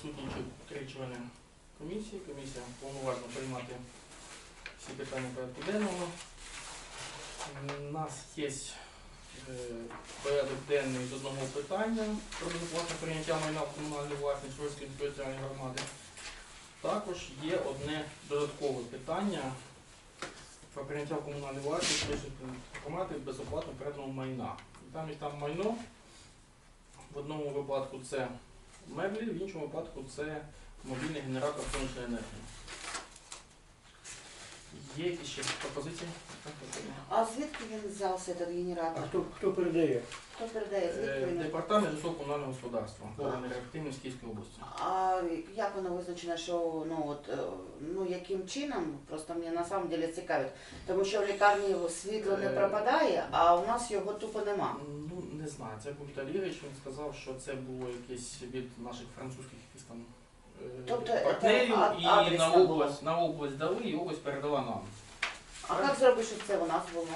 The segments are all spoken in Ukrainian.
присутні 3 члени комісії. Комісія повноважна приймати всі питання порядку денного. У нас є порядок денний з одного питання про безоплатне прийняття майна в комунальну власність Ворської територіальної громади. Також є одне додаткове питання про прийняття в комунальну власність Ворської громади безоплатно переданого майна. І там майно. В одному випадку це меблі, в іншому випадку це мобільний генератор сонячної енергії. Є якісь ще пропозиції? А звідки він взявся, цей генератор? А хто передає? Хто передає? Звідки він? Департамент житлово-комунального господарства, енергоефективність Київської області. А як воно визначено, що яким чином, просто мені на самом деле цікавить, тому що в лікарні світло не пропадає, а у нас його тупо нема. Ну, не знаю, це був Віталій Ігорович, він сказав, що це було якесь від наших французьких якісь там партнерів, і на область дали, і область передала нам. А як зробити, щоб це у нас було?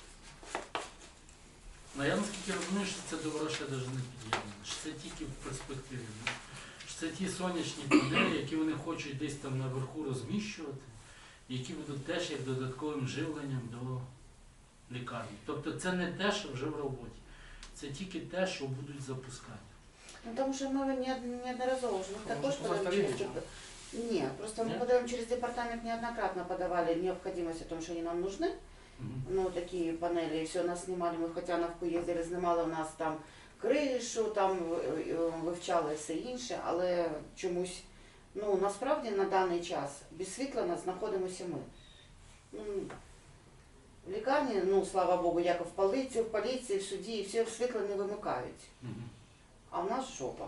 Ну, я наскільки розумію, що це до грошей навіть не під'єднано, що це тільки в перспективі. Що це ті сонячні панелі, які вони хочуть десь там наверху розміщувати, які будуть теж як додатковим живленням до лікарні. Тобто це не те, що вже в роботі, це тільки те, що будуть запускати. Ну, тому що ми неодноразово вже також подаємо через Ні, просто мы подаем через департамент неоднократно подавали необходимость о том, что они нам нужны. Ну, такие панели, и все, нас снимали, мы в Хотяновку їздили, знімали у нас там кришу, там вивчали все інше, але чомусь, ну, насправді на даний час без світла нас знаходимося ми. Ну, в лікарні, ну, слава Богу, як і в поліції, в суді, все світло не вимикають. А в нас жопа.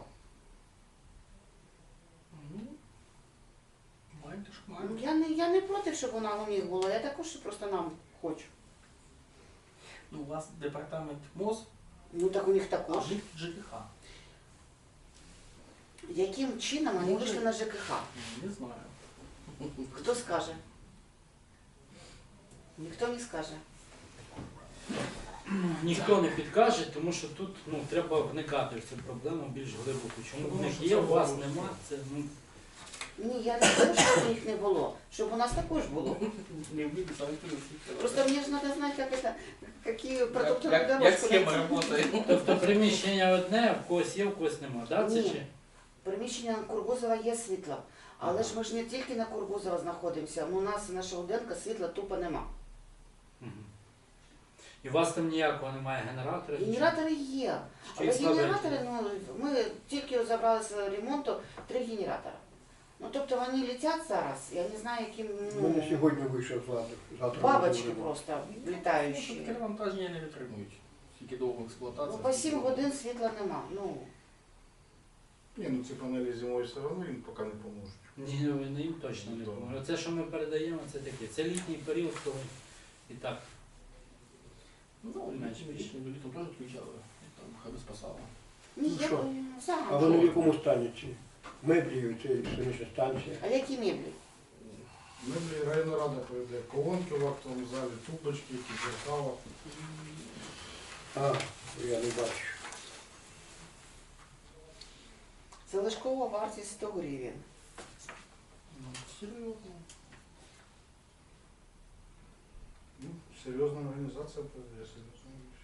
Я не проти, щоб вона у них була, я також просто нам хочу. Ну, у вас департамент МОЗ, Ну так у них а також. в них ЖКХ. Яким чином вони вийшли на ЖКХ? Не знаю. Хто скаже? Ніхто не скаже. Ніхто не підкаже, тому що тут треба вникати в цю проблему більш глибоко. Чому в них є, у вас нема, це Ні, я не кажу, щоб їх не було, щоб у нас також було. Просто мені ж треба знати, які продукти на дорожку. Як схема працює. Тобто приміщення одне, в когось є, в когось нема, так? Ні. Приміщення на Кургузова є світло. Але ж ми ж не тільки на Кургузова знаходимося, у нас на Шелуденка світла тупо нема. І у вас там ніякого немає генератора? Генератори є. Але генератори, ми тільки забрали з ремонту 3 генератора. Ну, тобто вони летять зараз, я не знаю, яким, У мене сьогодні вийшов завтра. бабочки просто літаючі. Перевантаження не витримують. Тільки довго експлуатація. Ну, по 7 годин світла нема. Ну, Ні, ну ці панелі зимою все одно їм поки не поможуть. Ні, вони їм точно не допоможуть. Це, що ми передаємо, це таке. Це літній період, коли і так. Ну, літом теж включали, там хай би спасало. ні, Ну, я що? сам. А вони в якому стані ці? Меблі, це сонячна станція. А які меблі? Меблі районна рада передає колонки в актовому залі, тумбочки, зеркала. А, я не бачу. Залишкова вартість 100 гривень. Ну, серйозно. Ну, серйозна організація передає, серйозна річ.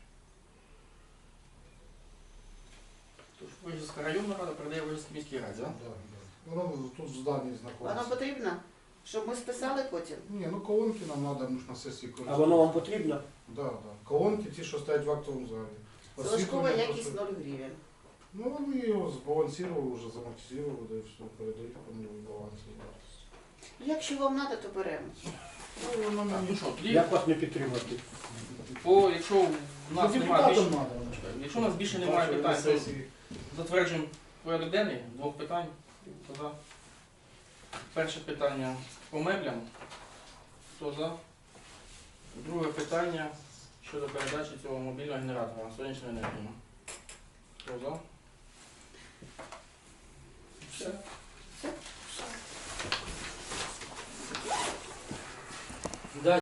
Тож Вижівська районна рада передає Вижівській міській раді, так? Да, да. Воно тут в зданні Воно знаходиться. потрібно, щоб ми списали потім? Ні, ну колонки нам треба, ми ж на сесії А воно вам потрібно? Да, да. Колонки ті, що стоять в актовому залі. Залишкова Освітлення якість просто- 0 гривень. Ну, вони його збалансували, вже замонтизували, да і все, передають по новій балансі. Якщо вам треба, то беремо. Ну, воно Так, мені... ну що, тоді, Як вас не підтримати? якщо в нас немає більше, треба. якщо у нас більше немає питань, то затверджуємо порядок денний, 2 питань. Хто за? Перше питання по меблям. Хто за? Друге питання щодо передачі цього мобільного генератора на сонячну енергію. Хто за? Все. Все?